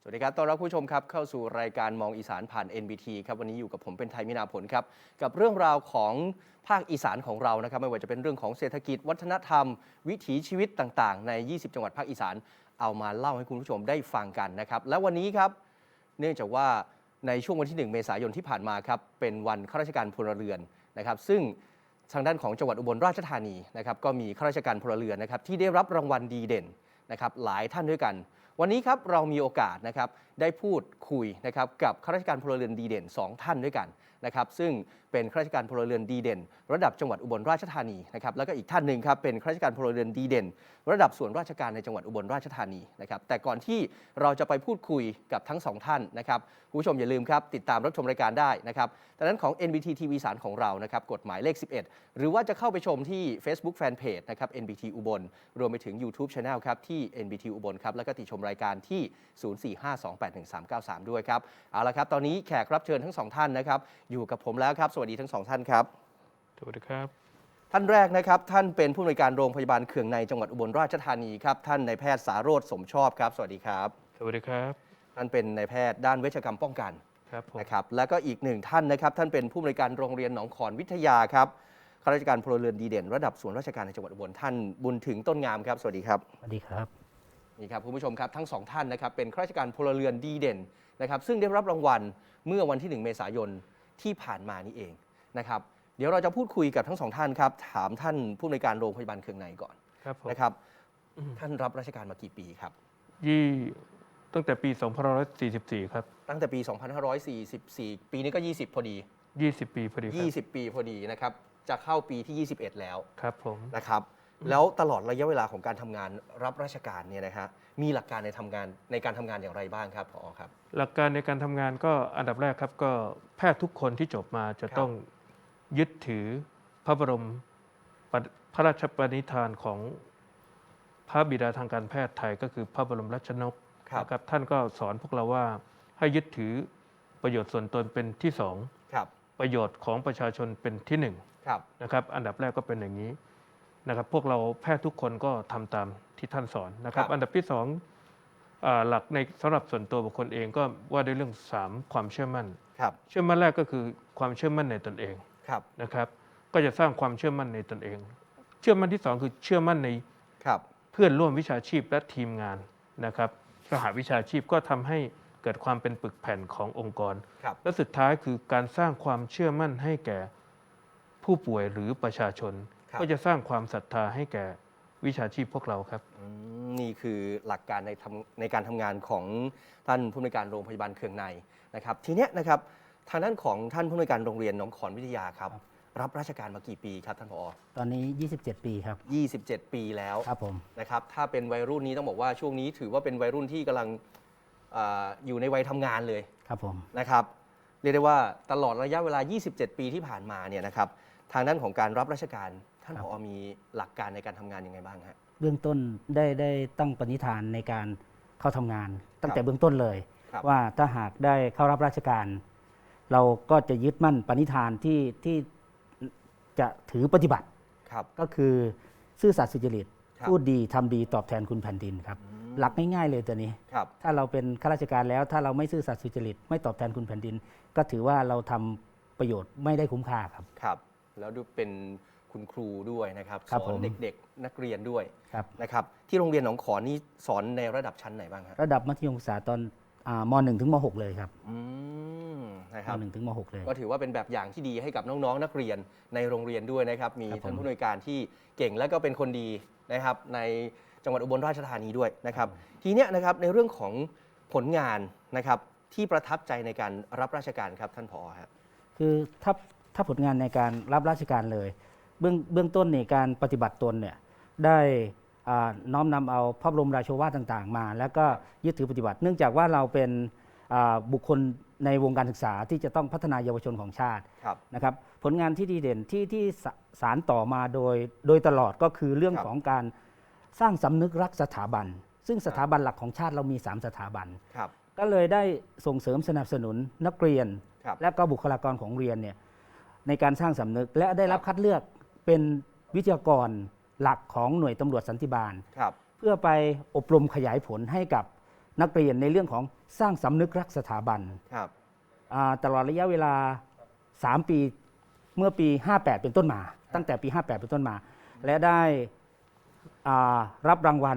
สวัสดีครับต้อนรับผู้ชมครับเข้าสู่รายการมองอีสานผ่าน NBT ครับวันนี้อยู่กับผมเป็นไทยมินาผลครับกับเรื่องราวของภาคอีสานของเรานะครับไม่ว่าจะเป็นเรื่องของเศรษฐกิจวัฒนธรรมวิถีชีวิตต่างๆใน 20 จังหวัดภาคอีสานเอามาเล่าให้คุณผู้ชมได้ฟังกันนะครับและวันนี้ครับเนื่องจากว่าในช่วงวันที่ 1 เมษายนที่ผ่านมาครับเป็นวันข้าราชการพลเรือนนะครับซึ่งทางด้านของจังหวัดอุบลราชธานีนะครับก็มีข้าราชการพลเรือนนะครับที่ได้รับรางวัลดีเด่นนะครับหลายท่านด้วยกันวันนี้ครับเรามีโอกาสนะครับได้พูดคุยนะครับกับข้าราชการพลเรือนดีเด่น2ท่านด้วยกันนะครับซึ่งเป็นข้าราชการพลเรือนดีเด่นระดับจังหวัดอุบลราชธานีนะครับแล้วก็อีกท่านหนึ่งครับเป็นข้าราชการพลเรือนดีเด่นระดับส่วนราชการในจังหวัดอุบลราชธานีนะครับแต่ก่อนที่เราจะไปพูดคุยกับทั้ง2ท่านนะครับคุณผู้ชมอย่าลืมครับติดตามรับชมรายการได้นะครับดังนั้นของ NBT TV สารของเรานะครับกฎหมายเลข 11 หรือว่าจะเข้าไปชมที่ Facebook Fanpage นะครับ NBT อุบลรวมไปถึง YouTube Channel ครับที่ NBT อุบลครับแล้วก็ติดชมรายการที่ 0452811393 ด้วยครับเอาละครับตอนนี้แขกรับเชิญทั้ง2ท่านนะครับอยู่กับผมแล้วครับสวัสดีทั้ง2ท่านครับสวัสดีครับท่านแรกนะครับท่านเป็นผู้อำนวยการโรงพยาบาลเขื่องในจังหวัดอุบลราชธานีครับท่านนายแพทย์สาโรจน์สมชอบครับสวัสดีครับสวัสดีครับท่านเป็นนายแพทย์ด้านเวชกรรมป้องกันครับผมนะครับแล้วก็อีก1ท่านนะครับท่านเป็นผู้อำนวยการโรงเรียนหนองขอนวิทยาครับข้าราชการพลเรือนดีเด่นระดับส่วนราชการในจังหวัดอุบลท่านบุญถึงต้นงามครับสวัสดีครับสวัสดีครับนี่ครับคุณผู้ชมครับทั้ง2ท่านนะครับเป็นข้าราชการพลเรือนดีเด่นนะครับซึ่งได้รับรางวัลเมื่อวันที่1 เมษายนที่ผ่านมานี่เองนะครับเดี๋ยวเราจะพูดคุยกับทั้ง2ท่านครับถามท่านผู้อำนวยการโรงพยาบาลเขื่องในก่อนนะครับท่านรับราชการมากี่ปีครับตั้งแต่ปี 2544 ครับตั้งแต่ปี 2544 ปีนี้ก็20พอดี 20 ปีพอดีครับ 20 ปีพอดีนะครับจะเข้าปีที่ 21 แล้วครับผมนะครับแล้วตลอดระยะเวลาของการทำงานรับราชการเนี่ยนะครับมีหลักการในการทำงานอย่างไรบ้างครับผอครับหลักการในการทำงานก็อันดับแรกครับก็แพทย์ทุกคนที่จบมาจะต้องยึดถือพระบรมพระราชปณิธานของพระบิดาทางการแพทย์ไทยก็คือพระบรมราชชนกนะครับท่านก็สอนพวกเราว่าให้ยึดถือประโยชน์ส่วนตนเป็นที่2ประโยชน์ของประชาชนเป็นที่1นะครับอันดับแรกก็เป็นอย่างนี้นะครับพวกเราแพทย์ทุกคนก็ทำตามที่ท่านสอนนะครับอันดับที่2หลักในสำหรับส่วนตัวบุคคลเองก็ว่าด้วยเรื่อง3ความเชื่อมั่นเชื่อมั่นแรกก็คือความเชื่อมั่นในตนเองนะครับก็จะสร้างความเชื่อมั่นในตนเองเชื่อมั่นที่2คือเชื่อมั่นในเพื่อนร่วมวิชาชีพและทีมงานนะครับสหวิชาชีพก็ทำให้เกิดความเป็นปึกแผ่นขององค์กรและสุดท้ายคือการสร้างความเชื่อมั่นให้แก่ผู้ป่วยหรือประชาชนก็จะสร้างความศรัทธาให้แก่วิชาชีพพวกเราครับนี่คือหลักการในการทำงานของท่านผู้อำนวยการโรงพยาบาลเขื่องในนะครับทีนี้นะครับทางด้านของท่านผู้อำนวยการโรงเรียนหนองขอนวิทยาครับรับราชการมากี่ปีครับท่านผอ. ตอนนี้27 ปีครับ 27 ปีแล้วครับผมนะครับถ้าเป็นวัยรุ่นนี้ต้องบอกว่าช่วงนี้ถือว่าเป็นวัยรุ่นที่กำลังอยู่ในวัยทำงานเลยครับผมนะครับเรียกได้ว่าตลอดระยะเวลา27 ปีที่ผ่านมาเนี่ยนะครับทางด้านของการรับราชการท่านผอ.มีหลักการในการทำงานยังไงบ้างฮะเบื้องต้นได้ตั้งปณิธานในการเข้าทำงานตั้งแต่เบื้องต้นเลยว่าถ้าหากได้เข้ารับราชการ เราก็จะยึดมั่นปณิธานที่จะถือปฏิบัติก็คือซื่อสัตย์สุจริตพูดดีทำดีตอบแทนคุณแผ่นดินครับหลักง่ายๆเลยตัวนี้ถ้าเราเป็นข้าราชการแล้วถ้าเราไม่ซื่อสัตย์สุจริตไม่ตอบแทนคุณแผ่นดินก็ถือว่าเราทำประโยชน์ไม่ได้คุ้มค่าครับครับแล้วดูเป็นคุณครูด้วยนะครับสอนเด็กๆนักเรียนด้วยนะครับที่โรงเรียนหนองขอนนี่สอนในระดับชั้นไหนบ้างครับระดับมัธยมศึกษาตอนม.1 ถึงม.6 เลยครับนะครับม.1 ถึงม.6 เลยก็ถือว่าเป็นแบบอย่างที่ดีให้กับน้องๆนักเรียนในโรงเรียนด้วยนะครับมีท่านผู้อำนวยการที่เก่งและก็เป็นคนดีนะครับในจังหวัดอุบลราชธานีด้วยนะครับทีนี้นะครับในเรื่องของผลงานนะครับที่ประทับใจในการรับราชการครับท่านผอ.ครับคือถ้าผลงานในการรับราชการเลยเบื้องต้นในการปฏิบัติตนเนี่ยได้น้อมนำเอาพระบรมราโชวาทต่างๆมาแล้วก็ยึดถือปฏิบัติเนื่องจากว่าเราเป็นบุคคลในวงการศึกษาที่จะต้องพัฒนาเยาวชนของชาตินะครับผลงานที่ดีเด่นที่สารต่อมาโดยตลอดก็คือเรื่องของการสร้างสำนึกรักสถาบันซึ่งสถาบันหลักของชาติเรามี3สถาบันก็เลยได้ส่งเสริมสนับสนุนนักเรียนและก็บุคลากรของเรียนเนี่ยในการสร้างสำนึกและได้รับคัดเลือกเป็นวิทยากรหลักของหน่วยตำรวจสันติบาลเพื่อไปอบรมขยายผลให้กับนักเรียนในเรื่องของสร้างสำนึกรักสถาบันครับตลอดระยะเวลา 3 ปีเมื่อปี 58 เป็นต้นมา ตั้งแต่ปี 58 เป็นต้นมา และได้รับรางวัล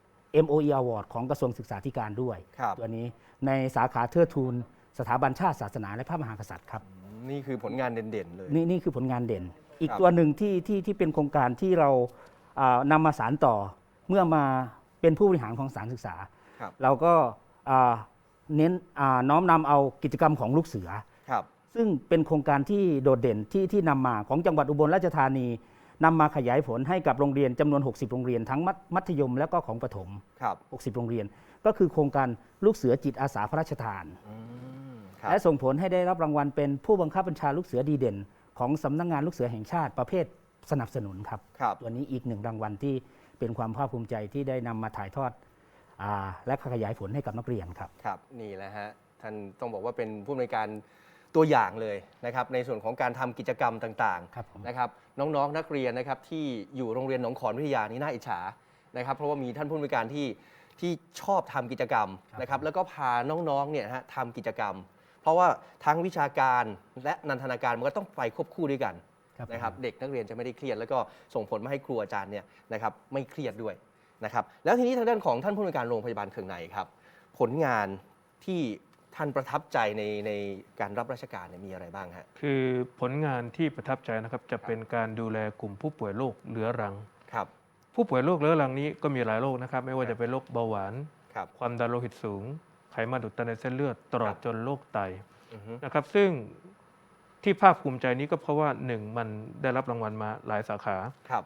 MOE Award ของกระทรวงศึกษาธิการด้วยครับตัวนี้ในสาขาเทิดทูนสถาบันชาติศาสนาและพระมหากษัตริย์ครับนี่คือผลงานเด่นๆเลยนี่คือผลงานเด่น อีกครับตัวหนึ่งที่เป็นโครงการที่เรานำมาสานต่อเมื่อมาเป็นผู้บริหารของสถานศึกษาครับเราก็เน้นน้อมนำเอากิจกรรมของลูกเสือครับซึ่งเป็นโครงการที่โดดเด่นที่นำมาของจังหวัดอุบลราชธานีนำมาขยายผลให้กับโรงเรียนจำนวน 60 โรงเรียนทั้งมัธยมและก็ของประถมครับ 60 โรงเรียน ก็คือโครงการลูกเสือจิตอาสาพระราชทานครับและส่งผลให้ได้รับรางวัลเป็นผู้บังคับบัญชาลูกเสือดีเด่น ของสำนักงานลูกเสือแห่งชาติประเภทสนับสนุนครับครับตัวนี้อีกหนึ่งรางวัลที่เป็นความภาคภูมิใจที่ได้นำมาถ่ายทอดและขยายผลให้กับนักเรียนครับครับ นี่แหละฮะ ท่านต้องบอกว่าเป็นผู้อำนวยการตัวอย่างเลยนะครับ ในส่วนของการทำกิจกรรมต่างครับผมๆนะครับ น้องๆนักเรียนนะครับที่อยู่โรงเรียนหนองขอนวิทยานี่น่าอิจฉานะครับ เพราะว่ามีท่านผู้อำนวยการที่ชอบทำกิจกรรมนะครับ แล้วก็พาน้องๆเนี่ยนะฮะทำกิจกรรม เพราะว่าทั้งวิชาการและนันทนาการมันก็ต้องไปควบคู่ด้วยกัน นะครับเด็กนักเรียนจะไม่ได้เครียดแล้วก็ส่งผลมาให้ครูอาจารย์เนี่ยนะครับไม่เครียดด้วยนะครับแล้วทีนี้ทางด้านของท่านผู้อำนวยการโรงพยาบาลเคืองในครับผลงานที่ท่านประทับใจในการรับราชการเนี่ยมีอะไรบ้างฮะคือผลงานที่ประทับใจนะครับจะเป็นการดูแลกลุ่มผู้ป่วยโรคเรื้อรังครับผู้ป่วยโรคเรื้อรังนี้ก็มีหลายโรคนะครับไม่ว่าจะเป็นโรคเบาหวานครับความดันโลหิตสูง ไขมันอุดตันในเส้นเลือดตลอดครับจนโรคไตอือฮึนะครับซึ่งที่ภาคภูมิใจนี้ก็เพราะว่า 1. มันได้รับรางวัลมาหลายสาขาครับ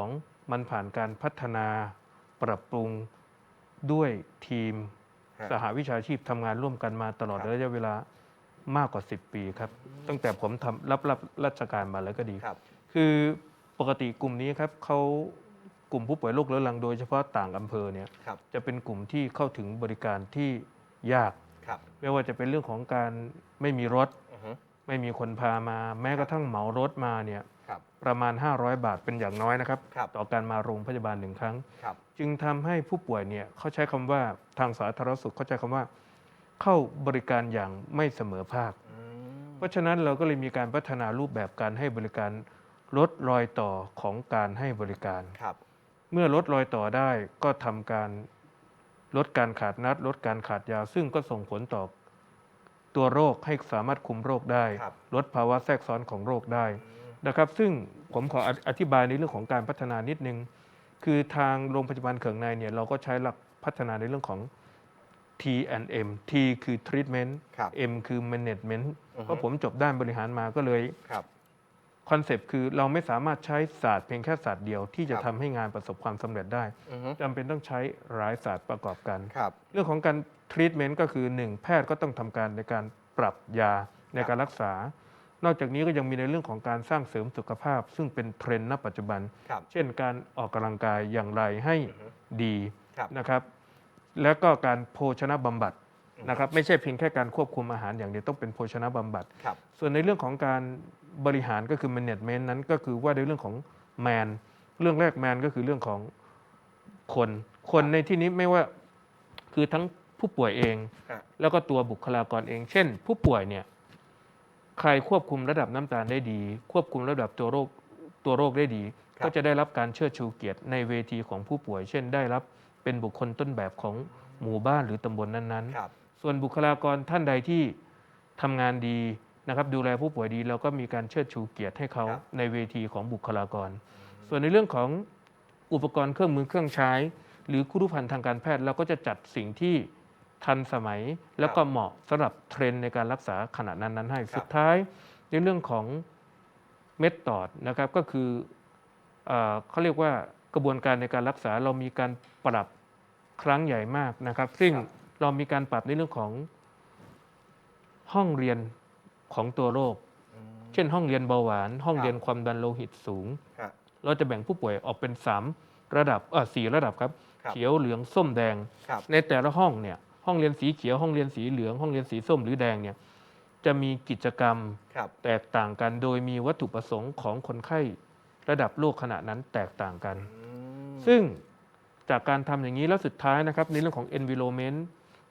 2. มันผ่านการพัฒนาปรับปรุงด้วยทีมฮะสหวิชาชีพทำงานร่วมกันมาตลอดครับระยะเวลามากกว่า 10 ปีครับ ตั้งแต่ผมรับราชการมาแล้วก็ดีครับคือปกติกลุ่มนี้ครับเขากลุ่มผู้ป่วยโรคเรื้อรังโดยเฉพาะต่างอำเภอเนี่ยครับจะเป็นกลุ่มที่เข้าถึงบริการที่ยากครับไม่ว่าจะเป็นเรื่องของการไม่มีรถอือฮึไม่มีคนพามา แม้กระทั่งเหมารถมาเนี่ยครับประมาณ 500 บาทเป็นอย่างน้อยนะครับครับต่อการมาโรงพยาบาลหนึ่งครั้งครับจึงทำให้ผู้ป่วยเนี่ยเขาใช้คำว่าทางสาธารณสุขเขาใช้คำว่า เข้าบริการอย่างไม่เสมอภาคอืมเพราะฉะนั้นเราก็เลยมีการพัฒนารูปแบบการให้บริการลดรอยต่อของการให้บริการครับเมื่อลดรอยต่อได้ก็ทำการลดการขาดนัด ลดการขาดยา ซึ่งก็ส่งผลต่อตัวโรคให้สามารถคุมโรคได้ครับลดภาวะแทรกซ้อนของโรคได้นะครับ ซึ่งผมขออธิบายในเรื่องของการพัฒนานิดนึง คือทางโรงพยาบาลเขืองในเนี่ยเราก็ใช้หลักพัฒนาในเรื่องของ T&M T คือ treatment ครับ M คือ management อือฮึเพราะผมจบด้านบริหารมาก็เลยครับคอนเซปต์คือเราไม่สามารถใช้ศาสตร์เพียงแค่ศาสตร์เดียวที่จะครับทำให้งานประสบความสำเร็จได้อือฮึจำเป็นต้องใช้หลายศาสตร์ประกอบกันครับเรื่องของการทรีทเมนต์ก็คือ 1. แพทย์ก็ต้องทำการในการปรับยาในการรักษา นอกจากนี้ก็ยังมีในเรื่องของการสร้างเสริมสุขภาพ ซึ่งเป็นเทรนด์ณปัจจุบันครับเช่นการออกกำลังกายอย่างไรให้อือฮึดีครับนะครับ แล้วก็การโภชนะบำบัดนะครับไม่ใช่เพียงแค่การควบคุมอาหารอย่างเดียวต้องเป็นโภชนะบำบัดครับส่วนในเรื่องของการบริหารก็คือ management นั้นก็คือว่าในเรื่องของ man เรื่องแรก man ก็คือเรื่องของคนในที่นี้ไม่ว่าคือทั้งผู้ป่วยเองฮะแล้วก็ตัวบุคลากรเอง เช่น ผู้ป่วยเนี่ยใครควบคุมระดับน้ำตาลได้ดี ควบคุมระดับตัวโรคได้ดีครับก็จะได้รับการเชิดชูเกียรติในเวทีของผู้ป่วย เช่น ได้รับเป็นบุคคลต้นแบบของหมู่บ้านหรือตำบลนั้นๆครับส่วนบุคลากรท่านใดที่ทำงานดีนะครับดูแลผู้ป่วยดีเราก็มีการเชิดชูเกียรติให้เขาครับในเวทีของบุคลากร ส่วนในเรื่องของอุปกรณ์เครื่องมือเครื่องใช้ หรือครุภัณฑ์ทางการแพทย์เราก็จะจัดสิ่งที่ทันสมัย แล้วก็เหมาะสำหรับเทรนด์ในการรักษาขณะนั้นๆให้ สุดท้ายในเรื่องของเมธอดนะครับก็คือเขาเรียกว่ากระบวนการในการรักษาเรามีการปรับครั้งใหญ่มากนะครับซึ่งครับเรามีการปรับในเรื่องของห้องเรียนของตัวโรคอืมเช่นห้องเรียนเบาหวาน ห้องครับเรียนความดันโลหิตสูงฮะเราจะแบ่งผู้ป่วยออกเป็น3ระดับ4ระดับครับครับเขียวเหลืองส้มแดงครับในแต่ละห้องเนี่ยห้องเรียนสีเขียวห้องเรียนสีเหลืองห้องเรียนสีส้มหรือแดงเนี่ยจะมีกิจกรรมครับแตกต่างกัน โดยมีวัตถุประสงค์ของคนไข้ระดับโรคขณะนั้นแตกต่างกันอืมซึ่งจากการทำอย่างนี้แล้วสุดท้ายนะครับในเรื่องของ environment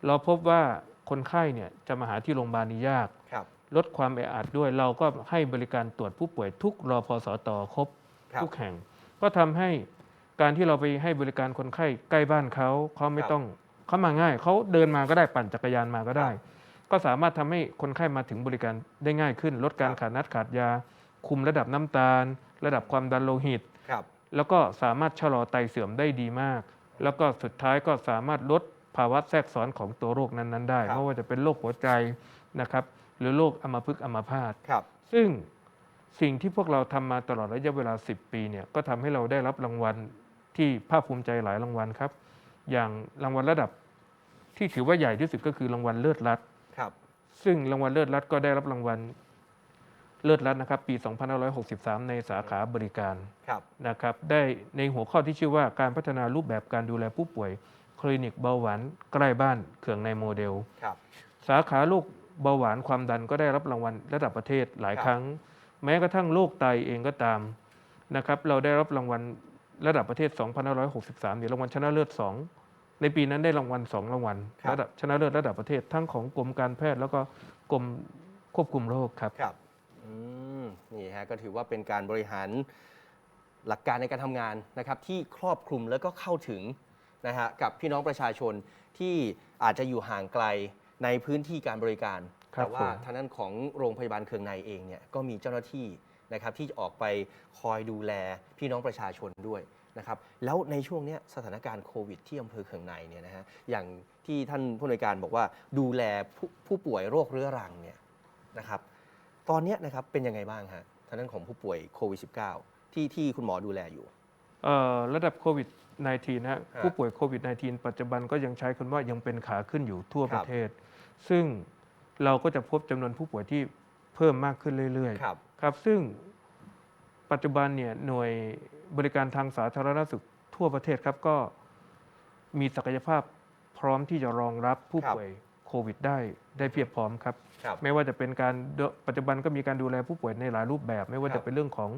เราพบว่าคนไข้เนี่ยจะมาหาที่โรงพยาบาลนี่ยากครับลดความแออัดด้วยเราก็ให้บริการตรวจผู้ป่วยทุกรพสตครบครับทุกแห่ง ก็ทำให้การที่เราไปให้บริการคนไข้ใกล้บ้านเขาไม่ต้องเขามาง่ายเขาเดินมาก็ได้ปั่นจักรยานมาก็ได้ ก็สามารถทำให้คนไข้มาถึงบริการได้ง่ายขึ้น ลดการขาดนัดขาดยา คุมระดับน้ำตาล ระดับความดันโลหิตครับแล้วก็สามารถชะลอไตเสื่อมได้ดีมาก แล้วก็สุดท้ายก็สามารถลดภาวะแทรกซ้อนของตัวโรคนั้นๆได้ครับไม่ว่าจะเป็นโรคหัวใจนะครับหรือโรคอัมพฤกษ์อัมพาตครับซึ่งสิ่งที่พวกเราทำมาตลอดระยะเวลา 10 ปีเนี่ยก็ทำให้เราได้รับรางวัลที่ภาคภูมิใจหลายรางวัลครับ อย่างรางวัลระดับที่ถือว่าใหญ่ที่สุดก็คือรางวัลเลิศรัฐครับซึ่งรางวัลเลิศรัฐก็ได้รับรางวัลเลิศรัฐนะครับปี 2563 ในสาขาบริการครับนะครับได้ในหัวข้อที่ชื่อว่าการพัฒนารูปแบบการดูแลผู้ป่วยคลินิกเบาหวานใกล้บ้านเขื่องในโมเดลครับสาขาโรคเบาหวานความดันก็ได้รับรางวัลระดับประเทศหลายครับครั้ง แม้กระทั่งโรคไตเองก็ตามนะครับเราได้รับรางวัลระดับประเทศ 2563เนี่ยรางวัลชนะเลิศ 2 ในปีนั้นได้รางวัล 2 รางวัลครับระดับชนะเลิศระดับประเทศทั้งของกรมการแพทย์แล้วก็กรมควบคุมโรคครับครับนี่ฮะก็ถือว่าเป็นการบริหารหลักการในการทำงานนะครับที่ครอบคลุมแล้วก็เข้าถึงนะฮะกับพี่น้องประชาชนที่อาจจะอยู่ห่างไกลในพื้นที่การบริการครับแต่ว่าผมทางด้านของโรงพยาบาลเคืองในเองเนี่ยก็มีเจ้าหน้าที่นะครับที่จะออกไปคอยดูแลพี่น้องประชาชนด้วยนะครับแล้วในช่วงเนี้ยสถานการณ์โควิดที่อำเภอเคืองในเนี่ยนะฮะอย่างที่ท่านผู้อำนวยการบอกว่าดูแลผู้ป่วยโรคเรื้อรังเนี่ยนะครับ ตอนนี้นะครับเป็นยังไงบ้างฮะทางด้านของผู้ป่วยโควิด -19 ที่คุณหมอดูแลอยู่ระดับโควิด -19 นะฮะผู้ป่วยโควิด -19 ปัจจุบันก็ยังใช้คำว่ายังเป็นขาขึ้นอยู่ทั่วประเทศ ซึ่งเราก็จะพบจำนวนผู้ป่วยที่เพิ่มมากขึ้นเรื่อยครับๆครับซึ่งปัจจุบันเนี่ยหน่วยบริการทางสาธารณสุขทั่วประเทศครับก็มีศักยภาพพร้อมที่จะรองรับผู้ป่วยโควิดได้เพียบพร้อมครับครับไม่ว่าจะเป็นการปัจจุบันก็มีการดูแลผู้ป่วยในหลายรูปแบบ ไม่ว่าครัจะบเป็นเรื่องของ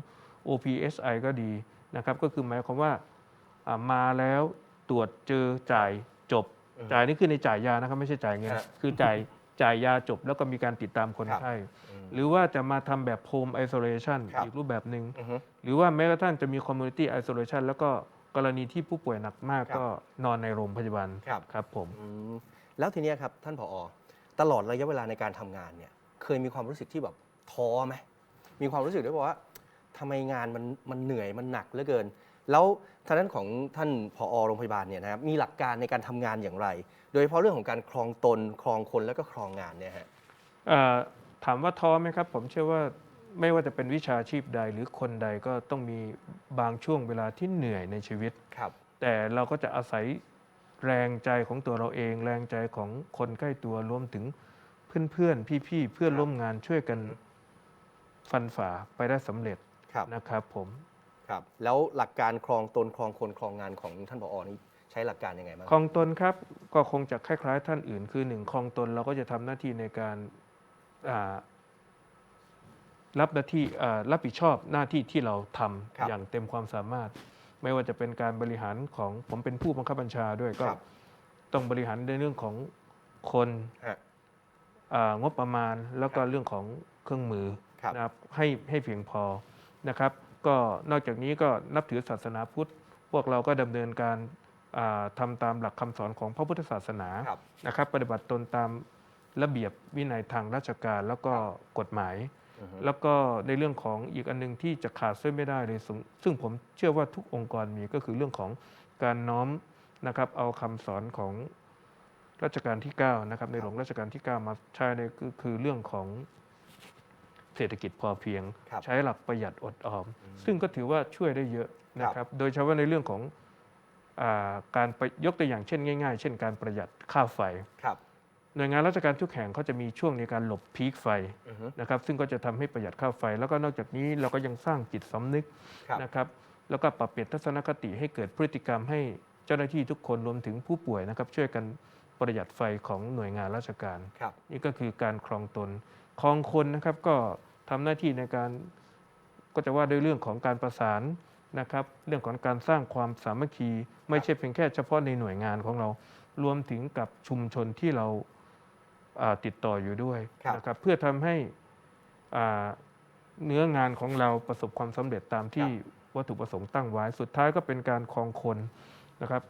OPSI ก็ดีนะครับก็คือหมายความว่ามาแล้วตรวจเจอจ่ายจบ จ่ายนี่คือในจ่ายยานะครับไม่ใช่จ่ายเงินฮะคือจ่ายยาจบแล้วก็มีการติดตามคนไข้หรือว่าจะมาทำแบบ Home Isolation ครับอีกรูปแบบหนึ่งอือฮึหรือว่าแม้กระทั่งจะมี Community Isolation แล้วก็กรณีที่ผู้ป่วยหนักมากครับก็นอนในโรงพยาบาลครับครับผมอืมแล้วทีเนี้ยครับท่านผอ.ตลอดระยะเวลาในการทำงานเนี่ยเคยมีความรู้สึกที่แบบท้อไหมมีความรู้สึกได้บอกว่าทำไมงานมันเหนื่อยมันหนักเหลือเกิน แล้วทางด้านของท่านผอ.โรงพยาบาลเนี่ยนะครับมีหลักการในการทำงานอย่างไร โดยเฉพาะเรื่องของการครองตนครองคนแล้วก็ครองงานเนี่ยฮะถามว่าท้อไหมครับ ผมเชื่อว่าไม่ว่าจะเป็นวิชาชีพใดหรือคนใดก็ต้องมีบางช่วงเวลาที่เหนื่อยในชีวิตครับแต่เราก็จะอาศัยแรงใจของตัวเราเอง แรงใจของคนใกล้ตัวรวมถึงเพื่อนๆพี่ๆเพื่อนร่วมงานช่วยกันฟันฝ่าไปได้สำเร็จครับนะครับผมครับแล้วหลักการครองตนครองคนครองงานของท่านผอ.นี่ใช้หลักการยังไงบ้างคลองตนครับก็คงจะคล้ายๆท่านอื่น คือหนึ่งคลองตนเราก็จะทำหน้าที่ในการรับหน้าที่รับผิดชอบหน้าที่ที่เราทำครับอย่างเต็มความสามารถ ไม่ว่าจะเป็นการบริหารของผมเป็นผู้บังคับบัญชาด้วยก็ครับต้องบริหารในเรื่องของคนฮะงบประมาณแล้วก็ครับเรื่องของเครื่องมือครับนะครับให้เพียงพอนะครับ ก็นอกจากนี้ก็นับถือศาสนาพุทธ พวกเราก็ดำเนินการทำตามหลักคำสอนของพระพุทธศาสนาครับนะครับ ปฏิบัติตนตามระเบียบวินัยทางราชการแล้วก็กฎหมายอือฮึแล้วก็ในเรื่องของอีกอันหนึงที่จะขาดเส้นไม่ได้เลยซึ่งผมเชื่อว่าทุกองค์กรมีก็คือเรื่องของการน้อมนะครับเอาคำสอนของรัชกาลที่ 9 นะครับในหลวงรัชกาลที่ 9 มาใช้ในคือเรื่องของเศรษฐกิจพอเพียงครับใช้หลักประหยัดอดออม ซึ่งก็ถือว่าช่วยได้เยอะนะครับ โดยเฉพาะในเรื่องของการยกตัวอย่างเช่นง่ายๆ เช่นการประหยัดค่าไฟครับหน่วยงานราชการทุกแห่งเขาจะมีช่วงในการหลบพีคไฟอือฮึนะครับซึ่งก็จะทำให้ประหยัดค่าไฟ แล้วก็นอกจากนี้เราก็ยังสร้างจิตสำนึกครับนะครับแล้วก็ปรับเปลี่ยนทัศนคติให้เกิดพฤติกรรมให้เจ้าหน้าที่ทุกคนรวมถึงผู้ป่วยนะครับช่วยกันประหยัดไฟของหน่วยงานราชการครับนี่ก็คือการครองตนครองคนนะครับก็ทำหน้าที่ในการก็จะว่าด้วยเรื่องของการประสานนะครับเรื่องของการสร้างความสามัคคี ไม่ใช่เพียงแค่เฉพาะในหน่วยงานของเรารวมถึงกับชุมชนที่เราติดต่ออยู่ด้วยครับนะครับเพื่อทำให้เนื้องานของเราประสบความสำเร็จตามที่วัตถุประสงค์ตั้งไว้ สุดท้ายก็เป็นการครองคนนะครับ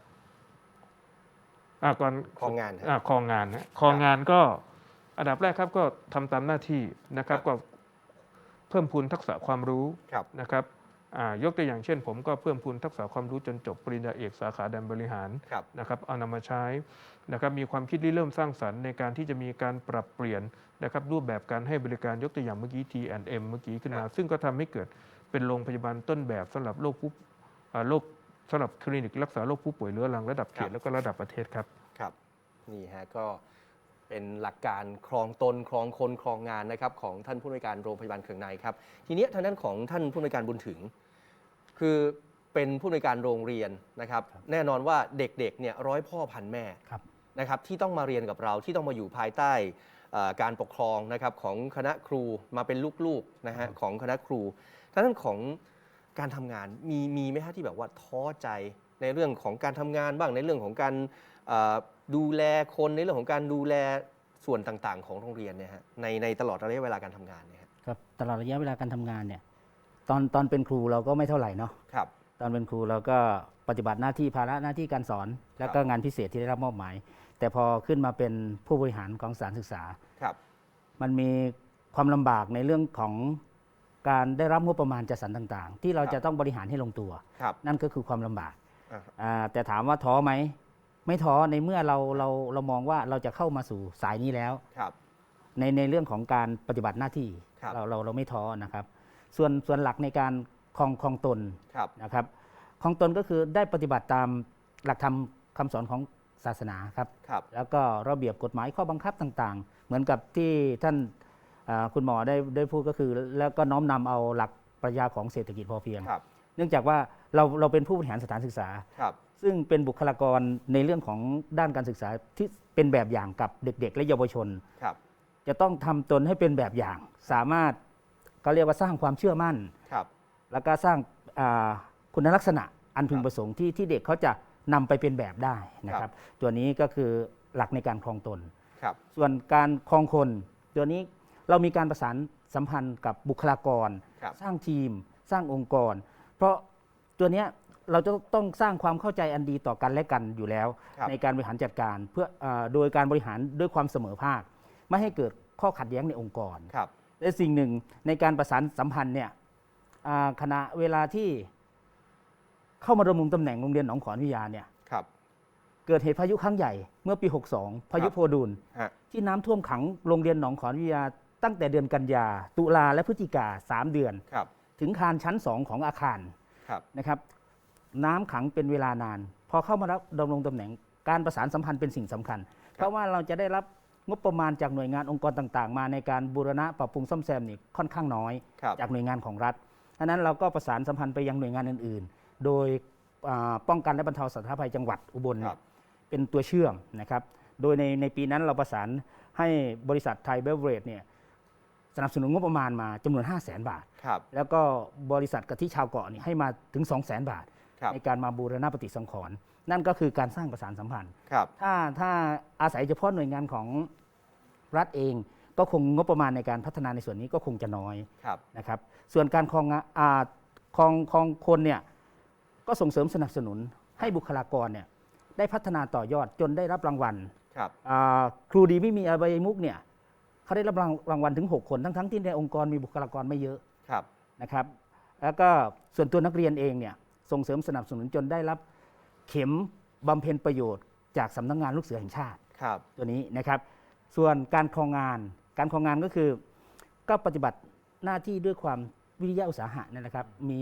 ก่อนครองงานฮะครองงานนะครองงานก็อันดับแรกครับก็ทำตามหน้าที่นะครับก็เพิ่มพูนทักษะความรู้ครับนะครับยกตัวอย่างเช่น ผมก็เพิ่มพูนทักษะความรู้จนจบปริญญาเอกสาขาการบริหารครับนะครับเอานำมาใช้นะครับมีความคิดริเริ่มสร้างสรรค์ในการที่จะมีการปรับเปลี่ยนนะครับรูปแบบการให้บริการยกตัวอย่างเมื่อกี้ T&M เมื่อกี้ขึ้นมา ซึ่งก็ทำให้เกิดเป็นโรงพยาบาลต้นแบบสำหรับโรคสำหรับคลินิกรักษาโรคผู้ป่วยเรื้อรังระดับเขตแล้วก็ระดับประเทศครับครับนี่ฮะก็เป็นหลักการครองตนครองคนครองงานนะครับของท่านผู้อำนวยการโรงพยาบาลเคืองในครับทีนี้ทางด้านของท่านผู้อำนวยการบุญถึง คือเป็นผู้อำนวยการโรงเรียนนะครับแน่นอนว่าเด็กๆเนี่ยร้อยพ่อพันแม่ครับนะครับที่ต้องมาเรียนกับเราที่ต้องมาอยู่ภายใต้การปกครองนะครับของคณะครูมาเป็นลูกๆนะฮะของคณะครูทางด้านของการทำงานมีไหมฮะที่แบบว่าท้อใจในเรื่องของการทำงานบ้างในเรื่องของการดูแลคนในเรื่องของการดูแลส่วนต่างๆ ของโรงเรียนเนี่ยฮะในตลอดระยะเวลาการทำงานเนี่ยฮะครับตลอดระยะเวลาการทำงานเนี่ยตอนเป็นครูเราก็ไม่เท่าไหร่เนาะครับตอนเป็นครูเราก็ปฏิบัติหน้าที่ภาระหน้าที่การสอน แล้วก็งานพิเศษที่ได้รับมอบหมาย แต่พอขึ้นมาเป็นผู้บริหารของสถานศึกษาครับมันมีความลำบากในเรื่องของการได้รับงบประมาณจัดสรรต่างๆ ที่เราจะต้องบริหารให้ลงตัวครับนั่นก็คือความลำบากอ่าแต่ถามว่าท้อไหมไม่ท้อในเมื่อเรามองว่าเราจะเข้ามาสู่สายนี้แล้วครับในเรื่องของการปฏิบัติหน้าที่ครับเราไม่ท้อนะครับส่วนหลักในการครองตนครับนะครับครองตนก็คือได้ปฏิบัติตามหลักธรรมคำสอนของศาสนาครับครับแล้วก็ระเบียบกฎหมายข้อบังคับต่างๆ เหมือนกับที่ท่านคุณหมอได้พูดก็คือ แล้วก็น้อมนำเอาหลักปรัชญาของเศรษฐกิจพอเพียงครับเนื่องจากว่าเราเป็นผู้บริหารสถานศึกษาครับซึ่งเป็นบุคลากรในเรื่องของด้านการศึกษาที่เป็นแบบอย่างกับเด็กๆ และเยาวชนครับจะต้องทำตนให้เป็นแบบอย่าง สามารถเขาเรียกว่าสร้างความเชื่อมั่นครับแล้วก็สร้างคุณลักษณะอันพึงประสงค์ที่เด็กเขาจะนำไปเป็นแบบได้นะครับตัวนี้ก็คือหลักในการครองตนครับส่วนการครองคนตัวนี้เรามีการประสานสัมพันธ์กับบุคลากรครับสร้างทีม สร้างองค์กร เพราะตัวเนี้ยเราจะต้องสร้างความเข้าใจอันดีต่อกันและกันอยู่แล้วครับในการบริหารจัดการเพื่อโดยการบริหารด้วยความเสมอภาค ไม่ให้เกิดข้อขัดแย้งในองค์กรครับและสิ่งหนึ่งในการประสานสัมพันธ์เนี่ยขณะเวลาที่เข้ามาดำรงตำแหน่งโรงเรียนหนองขอนวิทยาเนี่ยครับเกิดเหตุพายุครั้งใหญ่เมื่อปี 62 พายุโพดุลฮะที่น้ำท่วมขังโรงเรียนหนองขอนวิทยาตั้งแต่เดือนกันยาตุลาและพฤศจิกา3 เดือนครับถึงคานชั้น 2 ของอาคารครับนะครับน้ำขังเป็นเวลานาน พอเข้ามารับดำรงตำแหน่งการประสานสัมพันธ์เป็นสิ่งสำคัญ เพราะว่าเราจะได้รับงบประมาณจากหน่วยงานองค์กรต่างๆ มาในการบูรณะปรับปรุงซ่อมแซมนี่ค่อนข้างน้อยครับจากหน่วยงานของรัฐดังนั้นเราก็ประสานสัมพันธ์ไปยังหน่วยงานอื่นๆ โดยป้องกันและบรรเทาสาธารณภัยจังหวัดอุบลครับเป็นตัวเชื่อมนะครับ โดยในปีนั้นเราประสานให้บริษัทไทยเบเวอเรจเนี่ยสนับสนุนงบประมาณมาจำนวน 500,000 บาทครับแล้วก็บริษัทกะทิชาวเกาะนี่ให้มาถึง 200,000 บาทครับในการมาบูรณะปฏิสังขรณ์นั่นก็คือการสร้างประสานสัมพันธ์ครับถ้าอาศัยเฉพาะหน่วยงานของรัฐเอง ก็คงงบประมาณในการพัฒนาในส่วนนี้ก็คงจะน้อยครับนะครับส่วนการครองคนเนี่ยก็ส่งเสริมสนับสนุนให้บุคลากรเนี่ยได้พัฒนาต่อยอดจนได้รับรางวัลครับครูดีไม่มีอบายมุกเนี่ยเขาได้รับรางวัลถึง 6 คนทั้งที่ในองค์กรมีบุคลากรไม่เยอะครับนะครับแล้วก็ส่วนตัวนักเรียนเองเนี่ยส่งเสริมสนับสนุนจนได้รับเข็มบำเพ็ญประโยชน์จากสำนักงานลูกเสือแห่งชาติครับตัวนี้นะครับส่วนการครองงานก็คือก็ปฏิบัติหน้าที่ด้วยความวิริยะอุตสาหะนั่นแหละครับ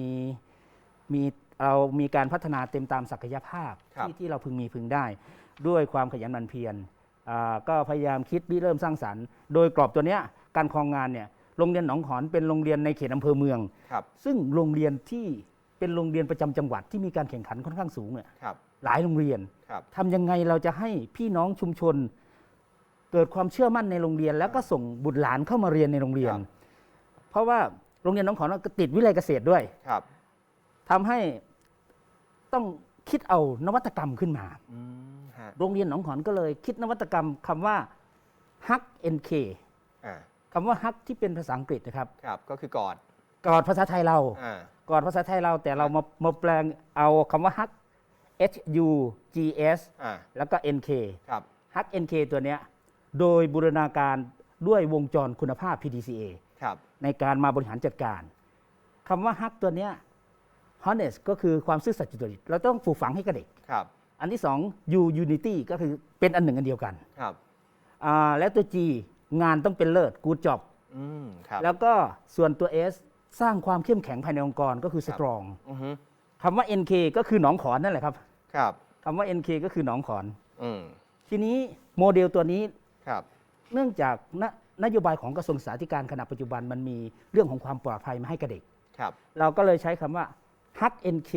เรามีการพัฒนาเต็มตามศักยภาพครับที่เราพึงมีพึงได้ ด้วยความขยันหมั่นเพียรก็พยายามคิดริเริ่มสร้างสรรค์ โดยกรอบตัวเนี้ยการครองงานเนี่ยโรงเรียนหนองขอนเป็นโรงเรียนในเขตอำเภอเมืองครับซึ่งโรงเรียนที่เป็นโรงเรียนประจำจังหวัดที่มีการแข่งขันค่อนข้างสูงเนี่ยครับหลายโรงเรียนครับทำยังไงเราจะให้พี่น้องชุมชน เกิดความเชื่อมั่นในโรงเรียน แล้วก็ส่งบุตรหลานเข้ามาเรียนในโรงเรียนครับเพราะว่าโรงเรียนหนองขอนก็ติดวิไลเกษตรด้วยครับทำให้ต้องคิดเอานวัตกรรมขึ้นมาฮะะโรงเรียนหนองขอนก็เลยคิดนวัตกรรมคำว่า Hug NK อ่าคำว่า Hug ที่เป็นภาษาอังกฤษนะครับครับก็คือกอดกอดภาษาไทยเราอ่ากอดภาษาไทยเราแต่เรามาแปลงเอาคำว่า Hug HUGS อ่าแล้วก็ NK ครับ Hug NK ตัวเนี้ยโดยบูรณาการด้วยวงจรคุณภาพ PDCA ครับในการมาบริหารจัดการคำว่า Hug ตัวเนี้ย Honest ก็คือความซื่อสัตย์สุจริตเราต้องปลูกฝังให้กับเด็กครับอันที่สอง U Unity ก็คือเป็นอันหนึ่งอันเดียวกันครับและตัว G งานต้องเป็นเลิศ Good Job ครับแล้วก็ส่วนตัว S สร้างความเข้มแข็งภายในองค์กรก็คือ Strong อือฮึคำว่า NK ก็คือหนองขอนนั่นแหละครับครับคำว่า NK ก็คือหนองขอนอืมทีนี้โมเดลตัวนี้ครับเนื่องจากนโยบายของกระทรวงศึกษาธิการขณะปัจจุบันมันมีเรื่องของความปลอดภัยมาให้กับเด็กครับเราก็เลยใช้คำว่า Hug NK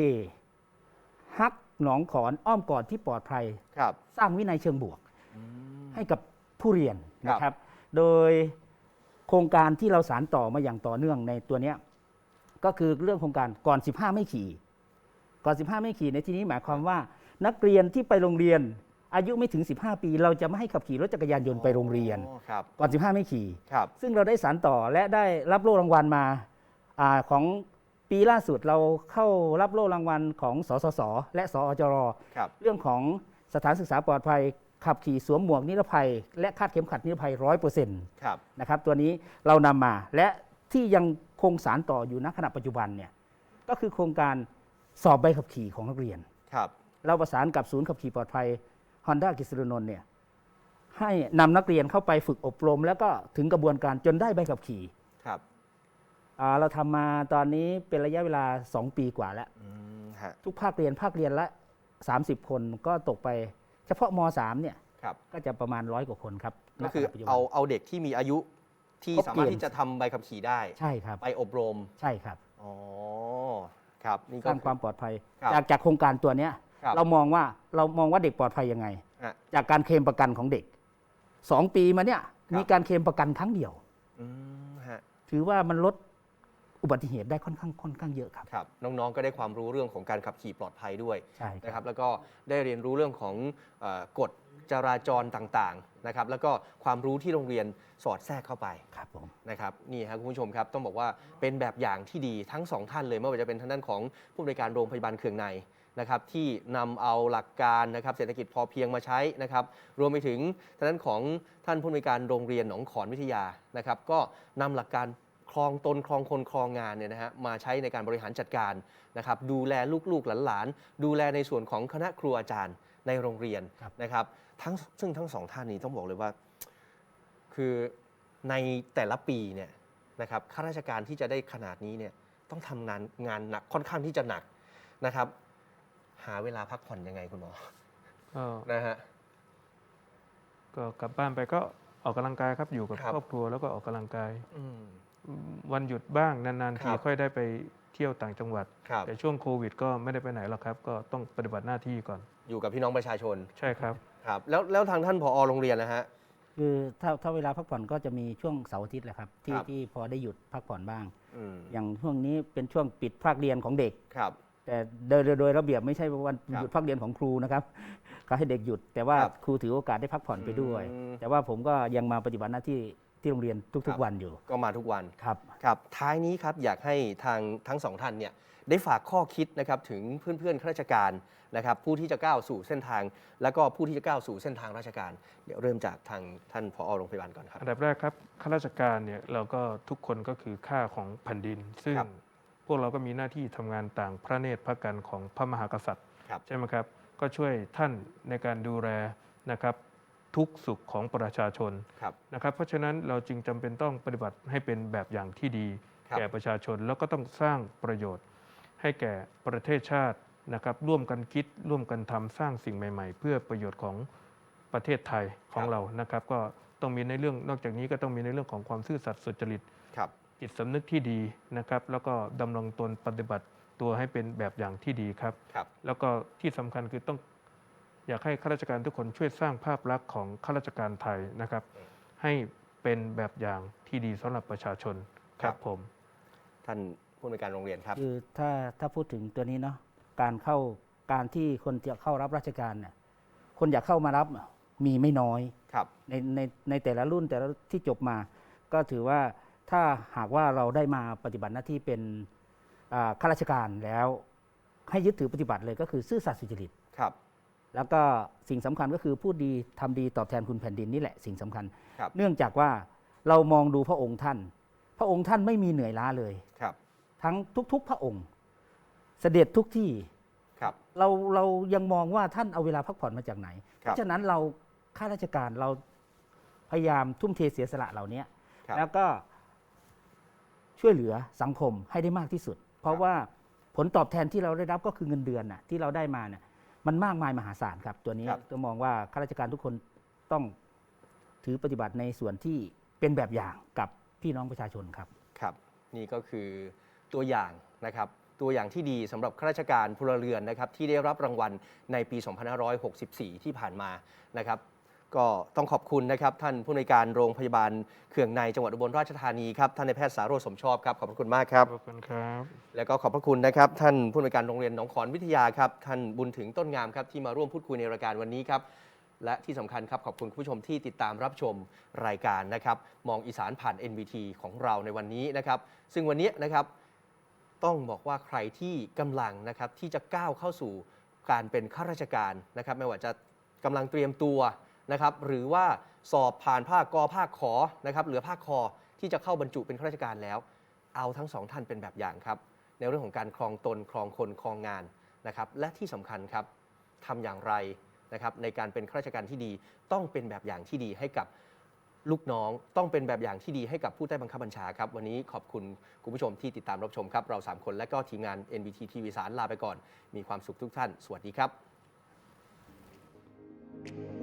Hug หนองขอนอ้อมกอดที่ปลอดภัยครับสร้างวินัยเชิงบวก ให้กับผู้เรียนครับนะครับ โดยโครงการที่เราสานต่อมาอย่างต่อเนื่องในตัวเนี้ยก็คือเรื่องโครงการก่อน 15 ไม่ขี่ ก่อน 15 ไม่ขี่ในที่นี้หมายความว่า นักเรียนที่ไปโรงเรียน อายุไม่ถึง 15 ปี เราจะไม่ให้ขับขี่รถจักรยานยนต์ไปโรงเรียนอ๋อครับก่อน 15 ไม่ขี่ครับซึ่งเราได้สานต่อและได้รับโล่รางวัลมาของปีล่าสุดเราเข้ารับโล่รางวัลของสสส และสอจรครับเรื่องของสถานศึกษาปลอดภัย ขับขี่สวมหมวกนิรภัย และคาดเข็มขัดนิรภัย 100% ครับนะครับตัวนี้เรานำมาและที่ยังคงสารต่ออยู่ณขณะปัจจุบันเนี่ยก็คือโครงการสอบใบขับขี่ของนักเรียนครับเราประสานกับศูนย์ขับขี่ปลอดภัย Honda กฤษณนนท์เนี่ยให้นำนักเรียนเข้าไปฝึกอบรม แล้วก็ถึงกระบวนการจนได้ใบขับขี่ครับเราทำมาตอนนี้เป็นระยะเวลา 2 ปีกว่าแล้วฮะทุกภาคเรียนละ 30 คนก็ตกไปเฉพาะม .3 เนี่ยครับก็จะประมาณ100 กว่าคนครับก็คือณขณะปัจจุบันเอาเด็กที่มีอายุที่ครบสามารถเกณฑ์ที่จะทำใบขับขี่ได้ใช่ครับไปอบรมใช่ครับอ๋อ ครับ นี่สก็ร้างความปลอดภัยครับจากโครงการตัวเนี้ยครับเรามองว่าเด็กปลอดภัยยังไงฮะจากการเคลมประกันของเด็ก 2 ปีมาเนี่ยครับมีการเคลมประกันครั้งเดียวฮะถือว่ามันลดอุบัติเหตุได้ค่อนข้างเยอะครับครับ น้องๆ ก็ได้ความรู้เรื่องของการขับขี่ปลอดภัยด้วยใช่คนะครัรับ บ แล้วก็ได้เรียนรู้เรื่องของกฎจราจรต่างๆ นะครับ แล้วก็ความรู้ที่โรงเรียนสอดแทรกเข้าไปครับผมนะครับ นี่ครับคุณผู้ชมครับ ต้องบอกว่าเป็นแบบอย่างที่ดีทั้งสองท่านเลย ไม่ว่าจะเป็นทางด้านของผู้อำนวยการโรงพยาบาลเคืองในนะครับที่นำเอาหลักการนะครับเศรษฐกิจพอเพียงมาใช้นะครับ รวมไปถึงทางด้านของท่านผู้อำนวยการโรงเรียนหนองขอนวิทยานะครับ ก็นำหลักการคลองตนคลองคนคลองงานเนี่ยนะฮะมาใช้ในการบริหารจัดการนะครับ ดูแลลูกๆหลานๆดูแลในส่วนของคณะครูอาจารย์ในโรงเรียนนะครับซึ่งทั้งสองท่านนี้ต้องบอกเลยว่า คือในแต่ละปีเนี่ยนะครับข้าราชการที่จะได้ขนาดนี้เนี่ยต้องทำงานหนักค่อนข้างที่จะหนักนะครับ หาเวลาพักผ่อนยังไงคุณหมอก็นะฮะก็กลับบ้านไปก็ออกกำลังกายครับอยู่กับครับครอบครัวแล้วก็ออกกำลังกายอืมวันหยุดบ้างนานๆคทีรับค่อยได้ไปเที่ยวต่างจังหวัดครับแต่ช่วงโควิดก็ไม่ได้ไปไหนหรอกครับ ก็ต้องปฏิบัติหน้าที่ก่อนอยู่กับพี่น้องประชาชนใช่ครับครับแล้วทางท่านผอโรงเรียนนะฮะคือถ้าเวลาพักผ่อนก็จะมีช่วงเสาร์อาทิตย์แหละครับที่ครับที่พอได้หยุดพักผ่อนบ้างอืมอย่างช่วงนี้เป็นช่วงปิดภาคเรียนของเด็กครับแต่โดยระเบียบไม่ใช่วันครับหยุดพักเรียนของครูนะครับ ก็ให้เด็กหยุด แต่ว่าครับครูถือโอกาสได้พักผ่อนไปด้วยอืมแต่ว่าผมก็ยังมาปฏิบัติหน้าที่ที่โรงเรียนครัทุกบๆวันอยู่ก็มาทุกวันครับครับท้ายนี้ครับอยากให้ทั้งสองท่านเนี่ยได้ฝากข้อคิดนะครับถึงเพื่อนๆข้าราชการนะครับผู้ที่จะก้าวสู่เส้นทาง แล้วก็ผู้ที่จะก้าวสู่เส้นทางราชการ เดี๋ยวเริ่มจากทางท่านผอโรงพยาบาลก่อนครับอันดับแรกครับข้าราชการเนี่ยเราก็ทุกคนก็คือค่าของแผ่นดิน ซึ่งครับพวกเราก็มีหน้าที่ทำงานต่างพระเนตรพระกันของพระมหากษัตริย์ครับใช่ไหมครับ ก็ช่วยท่านในการดูแลนะครับทุกสุขของประชาชนครับนะครับ เพราะฉะนั้นเราจึงจำเป็นต้องปฏิบัติให้เป็นแบบอย่างที่ดีครับแก่ประชาชน แล้วก็ต้องสร้างประโยชน์ให้แก่ประเทศชาตินะครับร่วมกันคิดร่วมกันทำสร้างสิ่งใหม่ ๆ เพื่อประโยชน์ของประเทศไทยของเรานะครับ ก็ต้องมีในเรื่องนอกจากนี้ก็ต้องมีในเรื่องของความซื่อสัตย์สุจริตครับจิตสำนึกที่ดีนะครับ แล้วก็ดำรงตนปฏิบัติตัวให้เป็นแบบอย่างที่ดีครับครับแล้วก็ที่สำคัญคือต้องอยากให้ข้าราชการทุกคนช่วยสร้างภาพลักษณ์ของข้าราชการไทยนะครับ ให้เป็นแบบอย่างที่ดีสำหรับประชาชนครับผมท่านผู้อำนวยการโรงเรียนครับคือถ้าพูดถึงตัวนี้เนาะการที่คนจะเข้ารับราชการเนี่ยคนอยากเข้ามารับมีไม่น้อยครับในแต่ละรุ่นแต่ละที่จบมา ก็ถือว่าถ้าหากว่าเราได้มาปฏิบัติหน้าที่เป็นข้าราชการแล้วให้ยึดถือปฏิบัติเลยก็คือซื่อสัตย์สุจริตครับแล้วก็สิ่งสำคัญก็คือพูดดีทำดีตอบแทนคุณแผ่นดินนี่แหละสิ่งสำคัญครับเนื่องจากว่าเรามองดูพระองค์ท่าน พระองค์ท่านไม่มีเหนื่อยล้าเลยครับทั้งทุกๆ พระองค์ เสด็จทุกที่ครับเรายังมองว่าท่านเอาเวลาพักผ่อนมาจากไหนคเพรับราะฉะนั้นเราข้าราชการเราพยายามทุ่มเทเสียสละเหล่านี้ครับแล้วก็ช่วยเหลือสังคมให้ได้มากที่สุด เพราะว่าผลตอบแทนที่เราได้รับก็คือเงินเดือนน่ะที่เราได้มาเนี่ยมันมากมายมหาศาลครับ ตัวนี้ครับก็มองว่าข้าราชการทุกคนต้องถือปฏิบัติในส่วนที่เป็นแบบอย่างกับพี่น้องประชาชนครับครับนี่ก็คือตัวอย่างนะครับตัวอย่างที่ดีสำหรับข้าราชการพลเรือนนะครับที่ได้รับรางวัลในปี 2564 ที่ผ่านมานะครับก็ต้องขอบคุณนะครับท่านผู้อำนวยการโรงพยาบาลเขื่องในจังหวัดอุบลราชธานีครับท่านนายแพทย์สาโรจน์สมชอบครับขอบพระคุณมากครับขอบคุณครับแล้วก็ขอบพระคุณนะครับท่านผู้อำนวยการโรงเรียนหนองขอนวิทยาครับท่านบุญถึงต้นงามครับที่มาร่วมพูดคุยในรายการวันนี้ครับและที่สำคัญครับขอบคุณคุณผู้ชมที่ติดตามรับชมรายการนะครับมองอีสานผ่าน NBT ของเราในวันนี้นะครับซึ่งวันนี้นะครับต้องบอกว่าใครที่กำลังนะครับที่จะก้าวเข้าสู่การเป็นข้าราชการนะครับไม่ว่าจะกำลังเตรียมตัวนะครับหรือว่าสอบผ่านภาคกภาคขอนะครับเหลือภาคคอที่จะเข้าบรรจุเป็นข้าราชการแล้วเอาทั้งสองท่านเป็นแบบอย่างครับ ในเรื่องของการครองตนครองคนครองงานนะครับและที่สำคัญครับทำอย่างไรนะครับในการเป็นข้าราชการที่ดีต้องเป็นแบบอย่างที่ดีให้กับลูกน้องต้องเป็นแบบอย่างที่ดีให้กับผู้ใต้บังคับบัญชาครับวันนี้ขอบคุณคุณผู้ชมที่ติดตามรับชมครับเรา3คนและก็ทีมงาน NBT ทีวีสารลาไปก่อนมีความสุขทุกท่านสวัสดีครับ